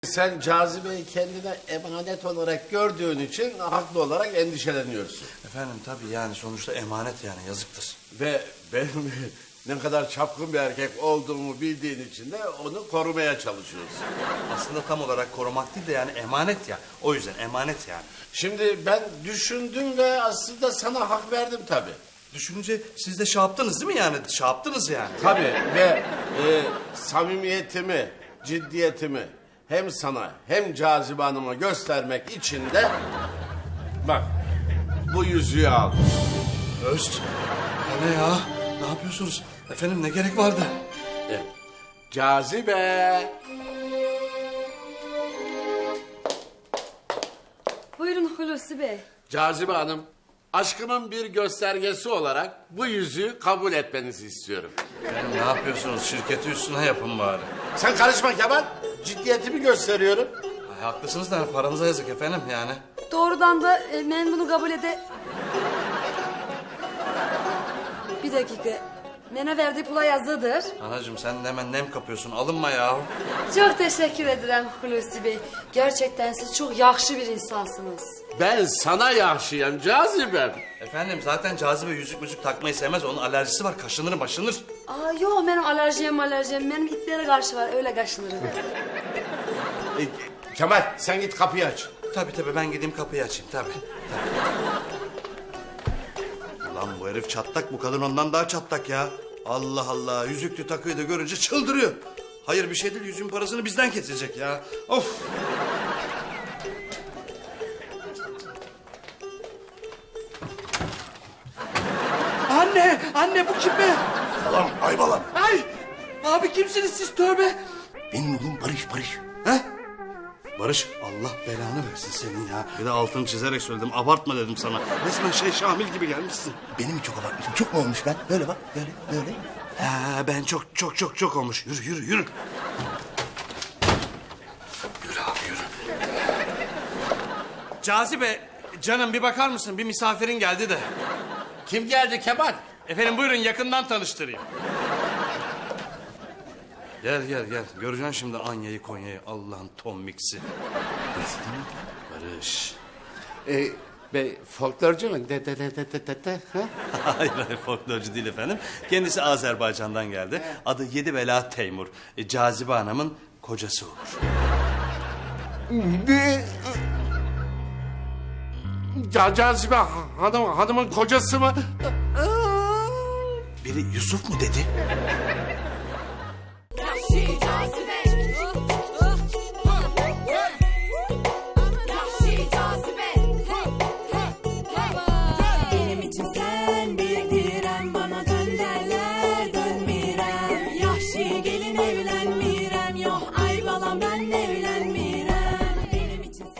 Sen Cazibe'yi kendine emanet olarak gördüğün için haklı olarak endişeleniyorsun. Efendim tabii yani sonuçta emanet yani yazıktır. Ve benim ne kadar çapkın bir erkek olduğumu bildiğin için de onu korumaya çalışıyorsun. Aslında tam olarak korumak değil de yani emanet ya. O yüzden emanet yani. Şimdi ben düşündüm ve aslında sana hak verdim tabii. Düşününce siz de şey yaptınız değil mi yani? Şey yaptınız yani. Tabii ve samimiyetimi, ciddiyetimi hem sana hem Cazibe Hanım'a göstermek için de bak bu yüzüğü al. Öst. O ne ya? Ne yapıyorsunuz? Efendim ne gerek vardı? Cazibe. Buyurun Hulusi Bey. Cazibe Hanım, aşkımın bir göstergesi olarak bu yüzüğü kabul etmenizi istiyorum. Efendim ne yapıyorsunuz? Şirketi üstüne yapın bari. Sen karışma Kemal, ciddiyetimi gösteriyorum. Ay, haklısınız da paranıza yazık efendim yani. Doğrudan da ben bunu kabul Bir dakika. Bana verdiği pula yazıdır. Anacığım sen de hemen nem kapıyorsun. Alınma ya. Çok teşekkür ederim Hulusi Bey. Gerçekten siz çok yakşı bir insansınız. Ben sana yaşayayım Cazibem. Efendim zaten Cazibe yüzük müzik takmayı sevmez. Onun alerjisi var. Kaşınır başınır. Aa yok benim alerjim. Benim itlere karşı var öyle kaşınırım. Kemal sen git kapıyı aç. Tabii ben gideyim kapıyı açayım tabii. Lan bu herif çatlak, bu kadın ondan daha çatlak ya. Allah Allah, yüzüklü takıyı da görünce çıldırıyor. Hayır bir şey değil, yüzüğün parasını bizden kesecek ya. Of. Anne bu kim be? Salam Aybalan. Ay, abi kimsiniz siz, tövbe. Benim oğlum Barış. He? Barış, Allah belanı versin senin ya. Bir de altını çizerek söyledim, abartma dedim sana. Resmen Şamil gibi gelmişsin. Benim çok abartmışım. Çok mu olmuş ben? Böyle bak, böyle. Ha, ben çok olmuş. Yürü. Yürü abi yürü. Cazibe, canım bir bakar mısın? Bir misafirin geldi de. Kim geldi Kemal? Efendim buyurun yakından tanıştırayım. Gel. Göreceksin şimdi Anya'yı Konya'yı. Allah'ın Tom Mix'i. Barış. Bey folklorcu mu? Ha? Hayır folklorcu değil efendim. Kendisi Azerbaycan'dan geldi. Adı Yedibela Teymur. Cazibe Hanım'ın kocası olur. Cazibe hanımın kocası mı? Biri Yusuf mu dedi?